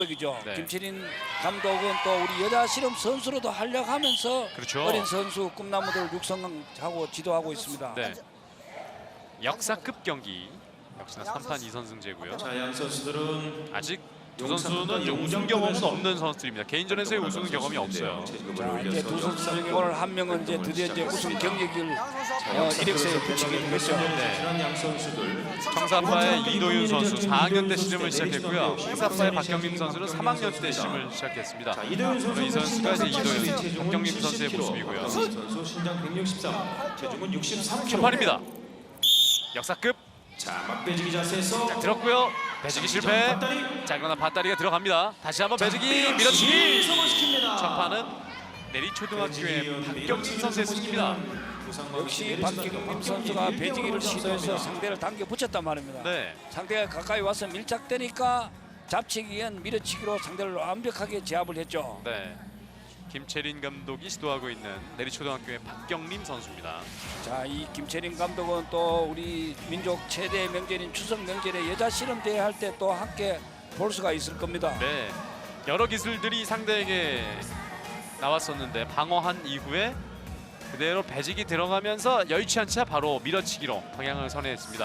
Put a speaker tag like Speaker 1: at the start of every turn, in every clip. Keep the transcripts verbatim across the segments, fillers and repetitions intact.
Speaker 1: 이죠.
Speaker 2: 네.
Speaker 1: 김철인 감독은 또 우리 여자 실험 선수로도 활약하면서
Speaker 2: 그렇죠.
Speaker 1: 어린 선수 꿈나무들을 육성하고 지도하고 있습니다.
Speaker 2: 네. 역사급 경기. 역시나 삼 판 이 선승제고요.
Speaker 3: 자, 양 선수들은
Speaker 2: 아직 두 선수는 이제 우승 경험은 없는 선수들입니다. 개인전에서의 우승 경험이 없어요.
Speaker 1: 자, 이제 두 선수 중에 오늘 한 명은 이제 드디어 이제 우승 경력을 어, 이력서에 붙이게 되겠죠.
Speaker 2: 네.
Speaker 3: 양 선수들
Speaker 2: 청사파의 이도윤 선수 사 학년 때 시름을 시작했고요. 홍사파의 박경림 선수는 삼 학년 때 시름을 시작했습니다.
Speaker 3: 자, 이도윤 선수
Speaker 2: 이 선수가 이제 이도윤,
Speaker 3: 체중은
Speaker 2: 박경림 선수의
Speaker 3: 칠십 킬로그램.
Speaker 2: 모습이고요.
Speaker 3: 선수 신장 백육십삼, 체중은 육십삼 킬로그램.
Speaker 2: 첫 판입니다. 역사급.
Speaker 3: 자, 막배지기 자세에서
Speaker 2: 자, 들었고요. 배지기 실패.
Speaker 3: 밧다리.
Speaker 2: 자, 그러나 밧다리가 들어갑니다. 다시 한번 배지기 밀어치기.
Speaker 3: 성공시킵니다.
Speaker 2: 첫 판은 내리초등학교의 박경림 선수의 승리입니다.
Speaker 1: 역시 박경림 선수가 배지기를 시도해서 상대를 당겨 붙였단 말입니다.
Speaker 2: 네.
Speaker 1: 상대가 가까이 와서 밀착되니까 잡치기 위한 밀어치기로 상대를 완벽하게 제압을 했죠.
Speaker 2: 네. 김채린 감독이 시도하고 있는 내리초등학교의 박경림 선수입니다.
Speaker 1: 자, 이 김채린 감독은 또 우리 민족 최대 명절인 추석 명절에 여자 실험 대회 할 때 또 함께 볼 수가 있을 겁니다.
Speaker 2: 네. 여러 기술들이 상대에게 나왔었는데 방어한 이후에 그대로 배직이 들어가면서 여의치 않자 바로 밀어치기로 방향을 선회했습니다.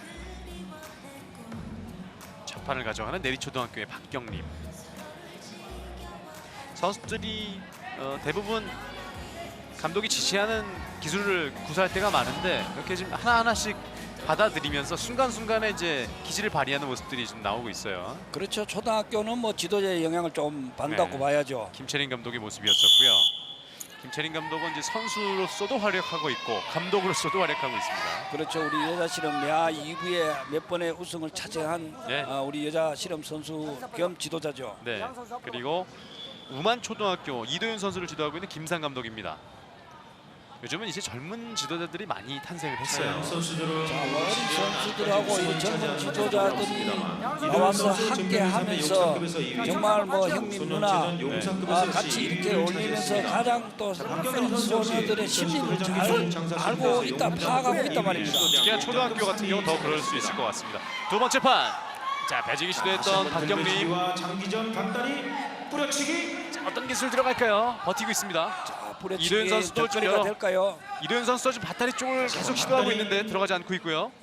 Speaker 2: 첫 판을 가져가는 내리초등학교의 박경림. 선수들이 어, 대부분 감독이 지시하는 기술을 구사할 때가 많은데 이렇게 지금 하나하나씩 받아들이면서 순간순간에 이제 기질을 발휘하는 모습들이 좀 나오고 있어요.
Speaker 1: 그렇죠. 초등학교는 뭐 지도자의 영향을 좀 받는다고
Speaker 2: 네.
Speaker 1: 봐야죠.
Speaker 2: 김채린 감독의 모습이었었고요. 김채린 감독은 이제 선수로서도 활약하고 있고 감독으로서도 활약하고 있습니다.
Speaker 1: 그렇죠. 우리 여자 실험 야 이 부에 몇 번의 우승을 차지한
Speaker 2: 네.
Speaker 1: 어, 우리 여자 실험 선수 겸 지도자죠.
Speaker 2: 네. 그리고 우만 초등학교 이도윤 선수를 지도하고 있는 김상 감독입니다. 요즘은 이제 젊은 지도자들이 많이 탄생을 했어요.
Speaker 3: 선수들은
Speaker 1: 자, 어린 선수들하고 이 젊은 지도자들이 나와서 함께 하면서 정말 뭐 형님 누나 아, 같이 이렇게 올리면서 가장 또 선수들의 심리를 잘 알고 있다, 파악하고 있단 말입니다.
Speaker 2: 특히나 초등학교 같은 경우 더 그럴 수 있을 것 같습니다. 두 번째 판. 자, 배지기 시도했던 박경림.
Speaker 3: 장기전 밧다리 뿌려치기.
Speaker 2: 자, 어떤 기술 들어갈까요? 버티고 있습니다.
Speaker 1: 자,
Speaker 2: 이도윤
Speaker 1: 뿌려치기
Speaker 2: 선수도 좀
Speaker 1: 덕거리가
Speaker 2: 여러-
Speaker 1: 될까요?
Speaker 2: 이도윤 선수도 지금 밧다리 쪽을 계속 시도하고 있는데 들어가지 않고 있고요.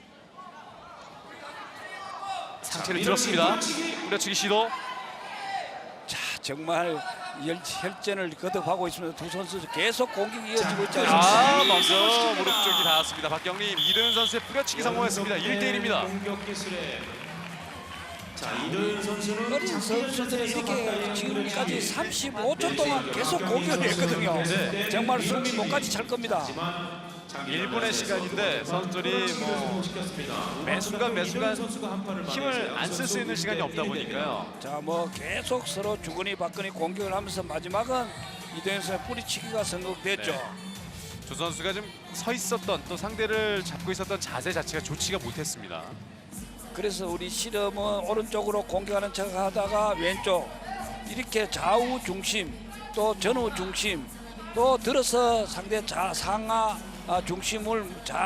Speaker 2: 상체를 들었습니다. 뿌려치기 시도.
Speaker 1: 자, 정말 열, 혈전을 거듭하고 있습니다. 두 선수 계속 공격이 이어지고 있지
Speaker 2: 아,
Speaker 1: 않습니까?
Speaker 2: 먼저 무릎 쪽이 닿았습니다. 박경림, 이도윤 선수의 뿌려치기 성공했습니다. 일 대 일입니다.
Speaker 3: 공격 기술에 자, 이도윤 선수는
Speaker 1: 어린 선수들이 이렇게 지금까지 삼십오 초 동안 계속 공격을 했거든요. 정말 숨이 목까지 찰 겁니다.
Speaker 2: 일 분의 시간인데 선수들이 뭐 매 순간 매 순간 힘을 안 쓸 수 있는 시간이 없다 보니까요.
Speaker 1: 자, 뭐 계속 서로 주거니 받거니 공격을 하면서 마지막은 이도현 선수의 뿌리치기가 성공됐죠.
Speaker 2: 네. 두 선수가 좀 서 있었던 또 상대를 잡고 있었던 자세 자체가 좋지가 못했습니다.
Speaker 1: 그래서 우리 실험은 오른쪽으로 공격하는 척 하다가 왼쪽 이렇게 좌우 중심 또 전후 중심 또 들어서 상대 자 상하 아, 중심을 잘